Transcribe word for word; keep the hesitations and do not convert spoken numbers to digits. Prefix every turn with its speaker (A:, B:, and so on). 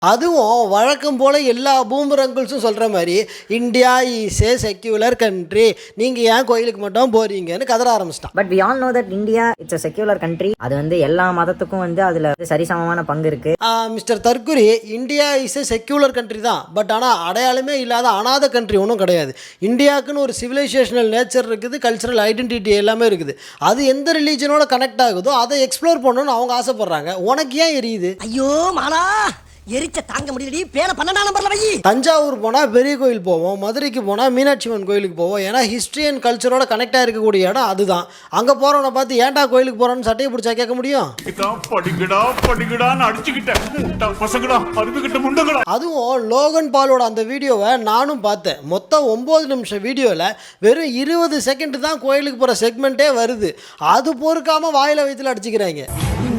A: அதுவும் வழக்கம் போல் எல்லா பூமர் அங்கிள்ஸும் சொல்கிற மாதிரி India is a secular country, நீங்கள் ஏன் கோயிலுக்கு மட்டும் போறீங்கன்னு கதற ஆரம்பிச்சிட்டான்.
B: But we all know that India it's a secular country. அது வந்து எல்லா மதத்துக்கும் வந்து அதில் சரிசமமான பங்கு இருக்கு.
A: மிஸ்டர் தற்குரி, India is a secular country தான், பட் ஆனால் அடையாளமே இல்லாத அனாத கண்ட்ரி ஒன்றும் கிடையாது. இந்தியாவுக்குன்னு ஒரு சிவிலைசேஷனல் நேச்சர் இருக்குது, கல்ச்சரல் ஐடென்டிட்டி எல்லாமே இருக்குது. அது எந்த ரிலீஜனோட கனெக்ட் ஆகுதோ அதை எக்ஸ்ப்ளோர் பண்ணணும்னு அவங்க ஆசைப்படுறாங்க. உனக்கு ஏன் எரியுது?
C: ஐயோ மாலா, எரிச்ச தாங்க முடியலடி. பேன பன்னெண்டாம் நம்பர்ல வை.
A: தஞ்சாவூர் போனால் பெரிய கோயில் போவோம், மதுரைக்கு போனால் மீனாட்சி அம்மன் கோயிலுக்கு போவோம். ஏன்னா ஹிஸ்ட்ரி அண்ட் கல்ச்சரோட கனெக்டாக இருக்கக்கூடிய இடம் அதுதான். அங்கே போகிறவனை பார்த்து ஏன்டா கோயிலுக்கு போகிறோன்னு சட்டையை பிடிச்சா கேட்க முடியும்? அதுவும் லோகன் பாலோட அந்த வீடியோவை நானும் பார்த்தேன். மொத்தம் ஒம்பது நிமிஷம் வீடியோவில் வெறும் இருபது செகண்ட் தான் கோயிலுக்கு போகிற செக்மெண்ட்டே வருது. அது பொறுக்காமல் வாயில் வயிற்றுல அடிச்சுக்கிறாங்க.